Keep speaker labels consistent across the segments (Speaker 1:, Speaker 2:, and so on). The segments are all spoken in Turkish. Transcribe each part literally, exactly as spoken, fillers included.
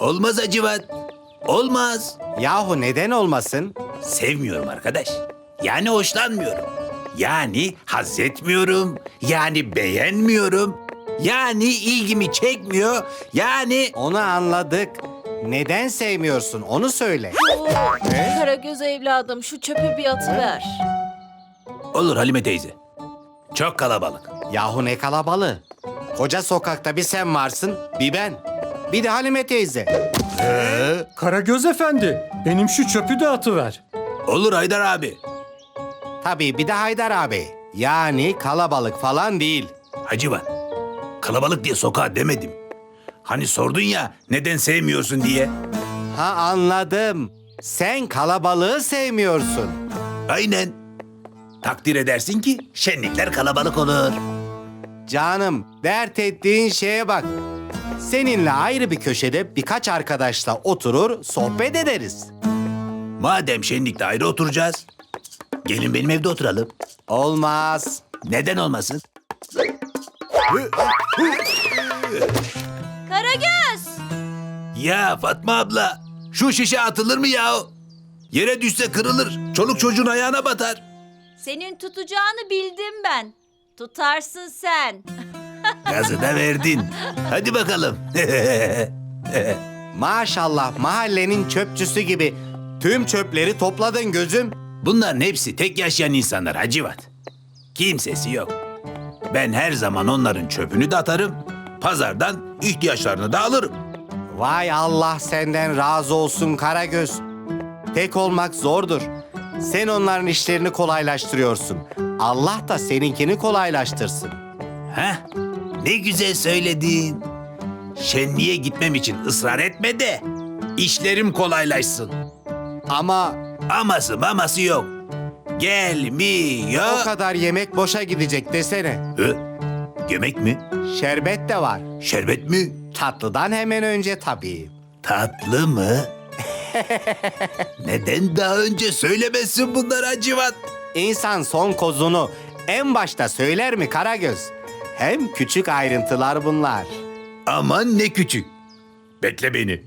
Speaker 1: Olmaz Hacivat. Olmaz.
Speaker 2: Yahu neden olmasın?
Speaker 1: Sevmiyorum arkadaş. Yani hoşlanmıyorum. Yani haz etmiyorum. Yani beğenmiyorum. Yani ilgimi çekmiyor. Yani...
Speaker 2: Onu anladık. Neden sevmiyorsun onu söyle.
Speaker 3: Karagöz evladım şu çöpü bir atıver.
Speaker 1: Olur Halime teyze. Çok kalabalık.
Speaker 2: Yahu ne kalabalığı. Koca sokakta bir sen varsın, bir ben. Bir de Halime teyze.
Speaker 4: Karagöz efendi, benim şu çöpü de atıver.
Speaker 1: Olur Haydar abi.
Speaker 2: Tabii bir de Haydar abi. Yani kalabalık falan değil.
Speaker 1: Hacivat. Kalabalık diye sokağa demedim. Hani sordun ya neden sevmiyorsun diye.
Speaker 2: Ha anladım. Sen kalabalığı sevmiyorsun.
Speaker 1: Aynen. Takdir edersin ki şenlikler kalabalık olur.
Speaker 2: Canım, dert ettiğin şeye bak. Seninle ayrı bir köşede birkaç arkadaşla oturur, sohbet ederiz.
Speaker 1: Madem şenlikte ayrı oturacağız, gelin benim evde oturalım.
Speaker 2: Olmaz.
Speaker 1: Neden olmasın?
Speaker 3: Karagöz!
Speaker 1: Ya Fatma abla, şu şişe atılır mı ya? Yere düşse kırılır, çoluk çocuğun ayağına batar.
Speaker 3: Senin tutacağını bildim ben. Tutarsın sen.
Speaker 1: Gazı da verdin. Hadi bakalım.
Speaker 2: Maşallah mahallenin çöpçüsü gibi tüm çöpleri topladın gözüm.
Speaker 1: Bunların hepsi tek yaşayan insanlar Hacivat. Kimsesi yok. Ben her zaman onların çöpünü de atarım, pazardan ihtiyaçlarını da alırım.
Speaker 2: Vay Allah senden razı olsun Karagöz. Tek olmak zordur. Sen onların işlerini kolaylaştırıyorsun. Allah da seninkini kolaylaştırsın.
Speaker 1: Heh, ne güzel söyledin. Şenliğe gitmem için ısrar etme de işlerim kolaylaşsın.
Speaker 2: Ama
Speaker 1: Aması maması yok. Gelmiyor.
Speaker 2: o kadar yemek boşa gidecek desene.
Speaker 1: Hı? Yemek mi?
Speaker 2: Şerbet de var.
Speaker 1: Şerbet mi?
Speaker 2: Tatlıdan hemen önce tabii.
Speaker 1: Tatlı mı? Neden daha önce söylemezsin bunları Hacivat?
Speaker 2: İnsan son kozunu en başta söyler mi Karagöz? Hem küçük ayrıntılar bunlar.
Speaker 1: Aman ne küçük. Bekle beni.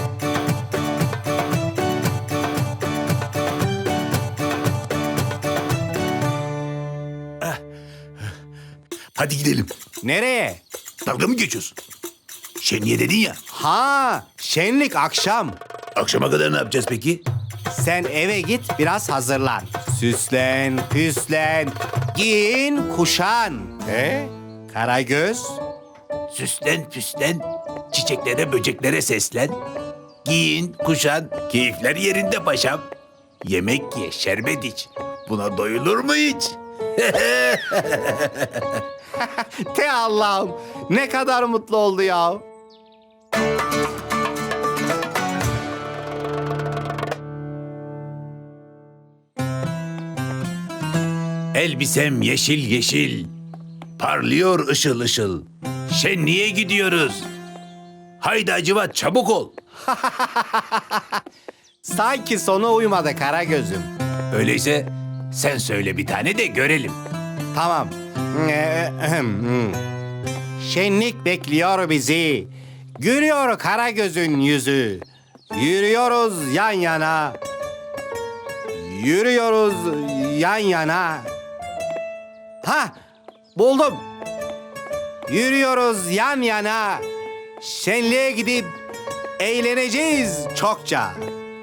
Speaker 1: Ah. Hadi gidelim.
Speaker 2: Nereye?
Speaker 1: Dalga mı geçiyorsun? Şenliğe dedin ya.
Speaker 2: Ha, şenlik akşam.
Speaker 1: Akşama kadar ne yapacağız peki?
Speaker 2: Sen eve git biraz hazırlan. Süslen, püslen, giyin, kuşan. He? Karagöz.
Speaker 1: Süslen püslen, çiçeklere böceklere seslen. Giyin, kuşan, keyifler yerinde paşam. Yemek ye, şerbet iç. Buna doyulur mu hiç?
Speaker 2: Te Allah'ım ne kadar mutlu oldu ya.
Speaker 1: Elbisem yeşil yeşil, parlıyor ışıl ışıl. Şenliğe gidiyoruz. Haydi Hacivat çabuk ol.
Speaker 2: Sanki sona uymadı Karagöz'üm.
Speaker 1: Öyleyse sen söyle bir tane de görelim.
Speaker 2: Tamam. Şenlik bekliyor bizi. Gülüyor Karagöz'ün yüzü. Yürüyoruz yan yana. Yürüyoruz yan yana. Ha, buldum. Yürüyoruz yan yana. Şenliğe gidip eğleneceğiz çokça.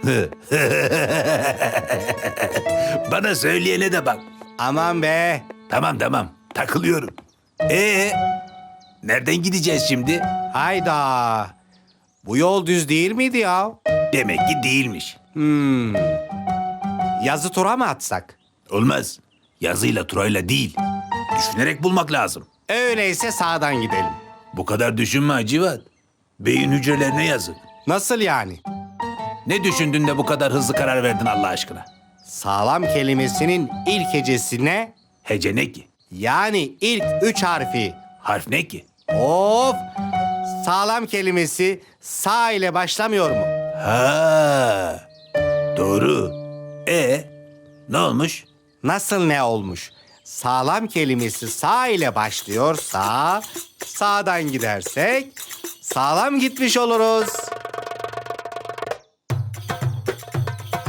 Speaker 1: Bana söyleyene de bak.
Speaker 2: Aman be.
Speaker 1: Tamam tamam takılıyorum. Ee, nereden gideceğiz şimdi?
Speaker 2: Hayda. Bu yol düz değil miydi ya?
Speaker 1: Demek ki değilmiş.
Speaker 2: Hmm. Yazı tura mı atsak?
Speaker 1: Olmaz. Yazıyla turayla değil. Düşünerek bulmak lazım.
Speaker 2: Öyleyse sağdan gidelim.
Speaker 1: Bu kadar düşünme Hacivat. Beyin hücrelerine yazık.
Speaker 2: Nasıl yani?
Speaker 1: Ne düşündün de bu kadar hızlı karar verdin Allah aşkına?
Speaker 2: Sağlam kelimesinin ilk hecesine
Speaker 1: Hece ne ki?
Speaker 2: yani ilk üç harfi.
Speaker 1: Harf ne ki?
Speaker 2: Of! Sağlam kelimesi sağ ile başlamıyor mu?
Speaker 1: Ha, doğru. E ne olmuş?
Speaker 2: Nasıl ne olmuş? Sağlam kelimesi sağ ile başlıyorsa sağdan gidersek sağlam gitmiş oluruz.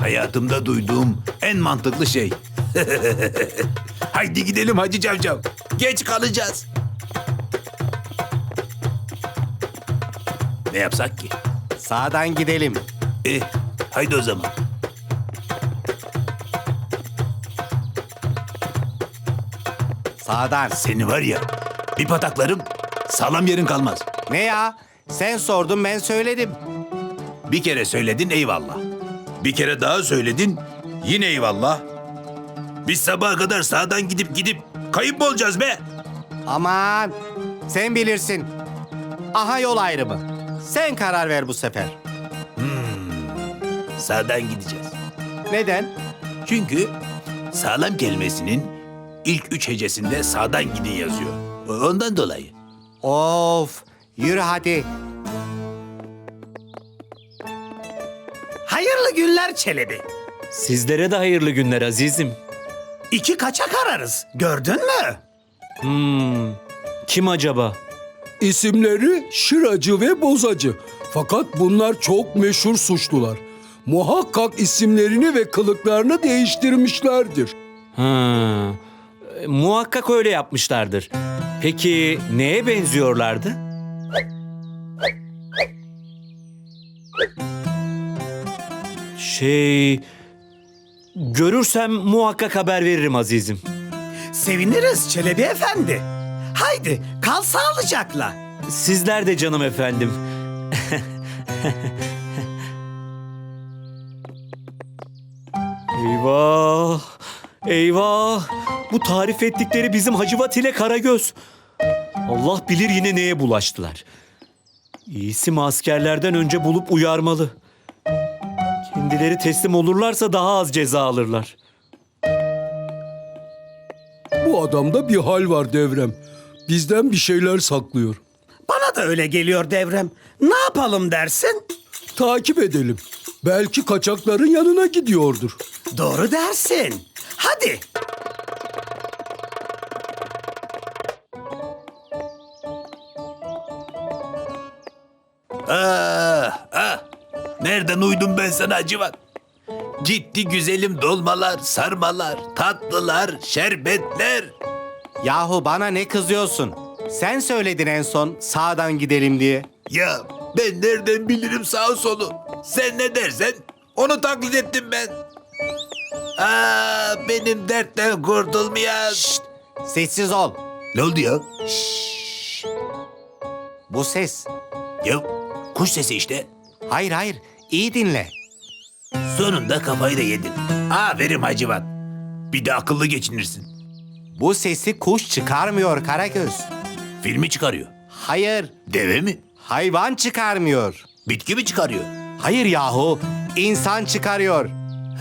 Speaker 1: Hayatımda duyduğum en mantıklı şey. Haydi gidelim Hacı Cavcav. Geç kalacağız. Ne yapsak ki?
Speaker 2: Sağdan gidelim.
Speaker 1: E, haydi o zaman.
Speaker 2: Sağdan.
Speaker 1: Seni var ya, bir pataklarım, sağlam yerin kalmaz.
Speaker 2: Ne ya? Sen sordun ben söyledim.
Speaker 1: Bir kere söyledin eyvallah. Bir kere daha söyledin yine eyvallah. Biz sabaha kadar sağdan gidip gidip kayıp mı olacağız be?
Speaker 2: Aman sen bilirsin. Aha yol ayrımı. Sen karar ver bu sefer.
Speaker 1: Sağdan gideceğiz.
Speaker 2: Neden?
Speaker 1: Çünkü sağlam kelimesinin ilk üç hecesinde sağdan gidin yazıyor. Ondan dolayı.
Speaker 2: Of, yürü hadi.
Speaker 5: Hayırlı günler Çelebi.
Speaker 6: Sizlere de hayırlı günler azizim.
Speaker 5: İki kaçak ararız. Gördün mü?
Speaker 6: Hmm, kim acaba?
Speaker 4: İsimleri Şıracı ve Bozacı. Fakat bunlar çok meşhur suçlular. Muhakkak isimlerini ve kılıklarını değiştirmişlerdir.
Speaker 6: Ha, e, muhakkak öyle yapmışlardır. Peki neye benziyorlardı? Şey... Görürsem muhakkak haber veririm azizim.
Speaker 5: Seviniriz Çelebi Efendi. Haydi kal sağlıcakla.
Speaker 6: Sizler de canım efendim. Eyvah! Eyvah! Bu tarif ettikleri bizim Hacivat ile Karagöz. Allah bilir yine neye bulaştılar. İyisi mi askerlerden önce bulup uyarmalı. Kendileri teslim olurlarsa daha az ceza alırlar.
Speaker 4: Bu adamda bir hal var Devrem. Bizden bir şeyler saklıyor.
Speaker 5: Bana da öyle geliyor Devrem. Ne yapalım dersin?
Speaker 4: Takip edelim. Belki kaçakların yanına gidiyordur.
Speaker 5: Doğru dersin. Hadi.
Speaker 1: Ah, ah. Nereden uydum ben sana Hacivat? Gitti güzelim dolmalar, sarmalar, tatlılar, şerbetler.
Speaker 2: Yahu bana ne kızıyorsun? Sen söyledin en son sağdan gidelim diye.
Speaker 1: Ya ben nereden bilirim sağ solu? Sen ne dersen onu taklit ettim ben. Aa, benim dertten kurtulmayan.
Speaker 2: Şşt, sessiz ol.
Speaker 1: Ne oldu ya?
Speaker 2: Bu ses.
Speaker 1: Ya kuş sesi işte.
Speaker 2: Hayır hayır, iyi dinle.
Speaker 1: Sonunda kafayı da yedin. Aferin Hacivat. Bir de akıllı geçinirsin.
Speaker 2: Bu sesi kuş çıkarmıyor Karagöz.
Speaker 1: Filmi çıkarıyor.
Speaker 2: Hayır,
Speaker 1: Deve mi?
Speaker 2: hayvan çıkarmıyor.
Speaker 1: Bitki mi çıkarıyor?
Speaker 2: Hayır yahu, insan çıkarıyor.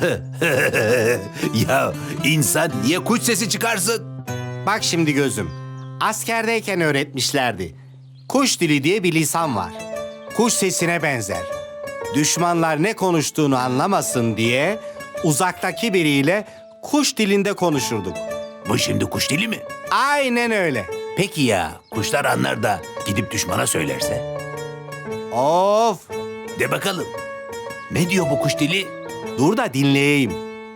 Speaker 1: Ya insan niye kuş sesi çıkarsın?
Speaker 2: Bak şimdi gözüm, askerdeyken öğretmişlerdi. Kuş dili diye bir lisan var. Kuş sesine benzer. Düşmanlar ne konuştuğunu anlamasın diye uzaktaki biriyle kuş dilinde konuşurduk.
Speaker 1: Bu şimdi kuş dili mi?
Speaker 2: Aynen öyle.
Speaker 1: Peki ya kuşlar anlar da gidip düşmana söylerse?
Speaker 2: Of,
Speaker 1: De bakalım. Ne diyor bu kuş dili?
Speaker 2: dur da dinleyeyim.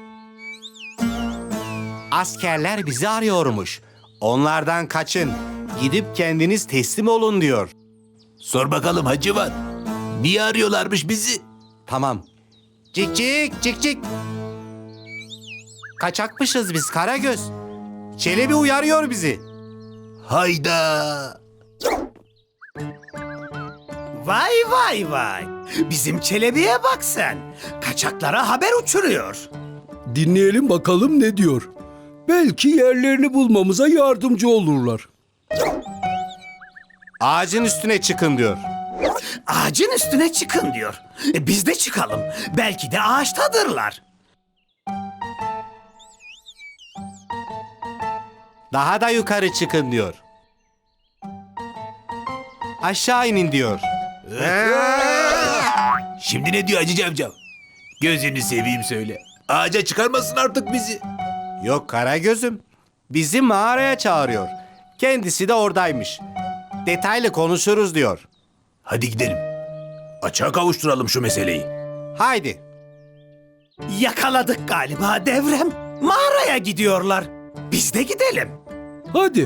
Speaker 2: Askerler bizi arıyormuş. Onlardan kaçın. Gidip kendiniz teslim olun diyor.
Speaker 1: Sor bakalım Hacivat. Niye arıyorlarmış bizi?
Speaker 2: Tamam. Cik cik cik cik. Kaçakmışız biz Karagöz. Çelebi uyarıyor bizi.
Speaker 1: Hayda.
Speaker 5: Vay vay vay. Bizim Çelebi'ye bak sen. Kaçaklara haber uçuruyor.
Speaker 4: Dinleyelim bakalım ne diyor. Belki yerlerini bulmamıza yardımcı olurlar.
Speaker 2: Ağacın üstüne çıkın diyor.
Speaker 5: Ağacın üstüne çıkın diyor. E, biz de çıkalım. Belki de ağaçtadırlar.
Speaker 2: Daha da yukarı çıkın diyor. Aşağı inin diyor.
Speaker 1: Şimdi ne diyor Hacı Cavcav? Gözünü seveyim söyle. Ağaca çıkarmasın artık bizi.
Speaker 2: Yok Karagöz'üm. Bizi mağaraya çağırıyor. Kendisi de oradaymış. Detaylı konuşuruz diyor.
Speaker 1: Hadi gidelim. Açığa kavuşturalım şu meseleyi.
Speaker 2: Haydi.
Speaker 5: Yakaladık galiba Devrem. Mağaraya gidiyorlar. Biz de gidelim.
Speaker 4: Hadi.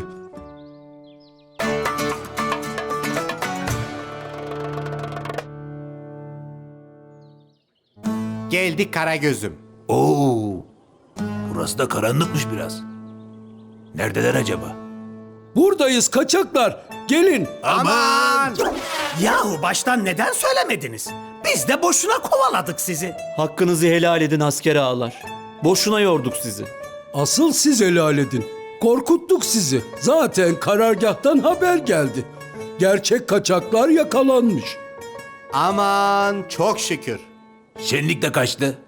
Speaker 2: Geldik Karagöz'üm.
Speaker 1: Oo, burası da karanlıkmış biraz. Neredeler acaba?
Speaker 4: Buradayız kaçaklar. Gelin.
Speaker 2: Aman!
Speaker 5: Yahu baştan neden söylemediniz? Biz de boşuna kovaladık sizi.
Speaker 6: Hakkınızı helal edin asker ağalar. Boşuna yorduk sizi.
Speaker 4: Asıl siz helal edin. Korkuttuk sizi. Zaten karargahtan haber geldi. Gerçek kaçaklar yakalanmış.
Speaker 2: Aman çok şükür.
Speaker 1: Şenlik de kaçtı.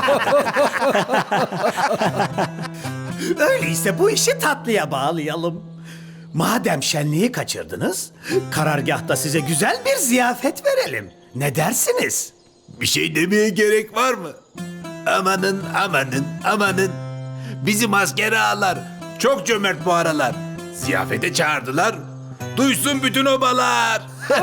Speaker 5: Öyleyse bu işi tatlıya bağlayalım. Madem şenliği kaçırdınız, karargahta size güzel bir ziyafet verelim. Ne dersiniz?
Speaker 1: Bir şey demeye gerek var mı? Amanın amanın amanın. Bizim asker ağalar çok cömert bu aralar. Ziyafete çağırdılar. Duysun bütün obalar.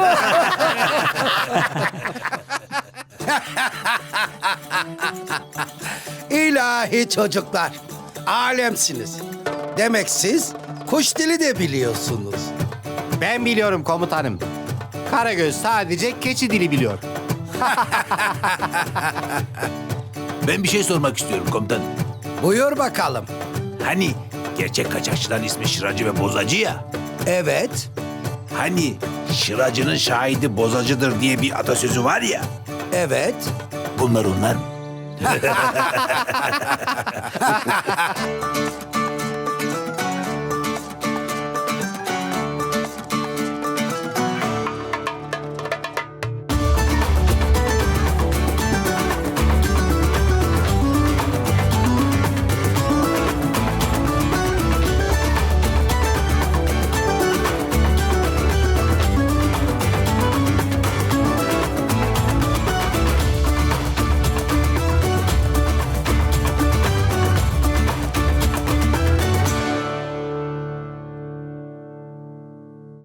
Speaker 7: İlahi çocuklar, alemsiniz. Demek siz kuş dili de biliyorsunuz.
Speaker 2: Ben biliyorum komutanım. Karagöz sadece keçi dili biliyor.
Speaker 1: Ben bir şey sormak istiyorum komutanım.
Speaker 7: Buyur bakalım.
Speaker 1: Hani gerçek kaçakçıların ismi Şıracı ve Bozacı ya.
Speaker 7: Evet,
Speaker 1: Hani Şıracı'nın şahidi bozacıdır diye bir atasözü var ya.
Speaker 7: evet.
Speaker 1: Bunlar onlar mı?